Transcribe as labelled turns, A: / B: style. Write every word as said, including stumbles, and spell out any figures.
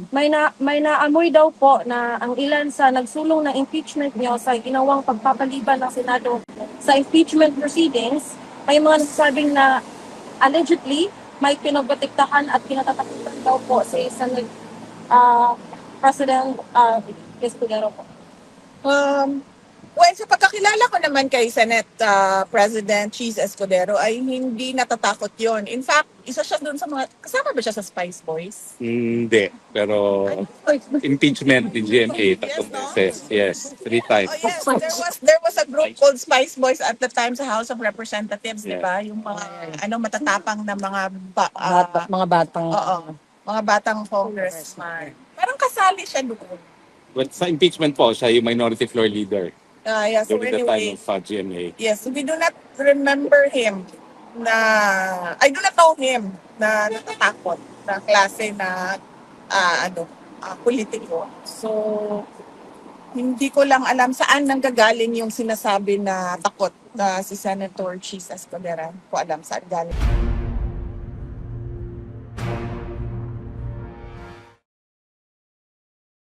A: may na may naamoy daw po na ang ilan sa nagsulong ng impeachment niyo sa ginawang pagpapaliban ng Senado sa impeachment proceedings, may mga nagsasabing na allegedly may pinagbatiktakan at kinatatakutan daw po si Senate uh, President uh, Escudero po.
B: Um, well, sa pagkakilala ko naman kay Senate uh, President Cheese Escudero ay hindi natatakot yon. In fact, isa siya doon sa mga, kasama ba siya sa Spice Boys?
C: Hindi, pero impeachment ni G M A tatlong
B: Yes, no?
C: beses. Yes, three times.
B: Oh yes, there was there was a group called Spice Boys at the time sa House of Representatives, di
C: Yeah.
B: ba? Yung mga ano matatapang na mga ba,
D: Bata,
B: ah,
D: mga batang
B: oo, mga batang congressman. Parang kasali siya doon.
C: But sa impeachment po, siya yung minority floor leader
B: Ah, yeah, so
C: during the time
B: anyway,
C: of uh, G M A.
B: yes, we do not remember him na, I do not know him na natatakot na klase na ah, ano, ah, politiko. So, hindi ko lang alam saan nanggagaling yung sinasabi na takot na si Senator Cheese Escudero. Hindi ko alam saan galing.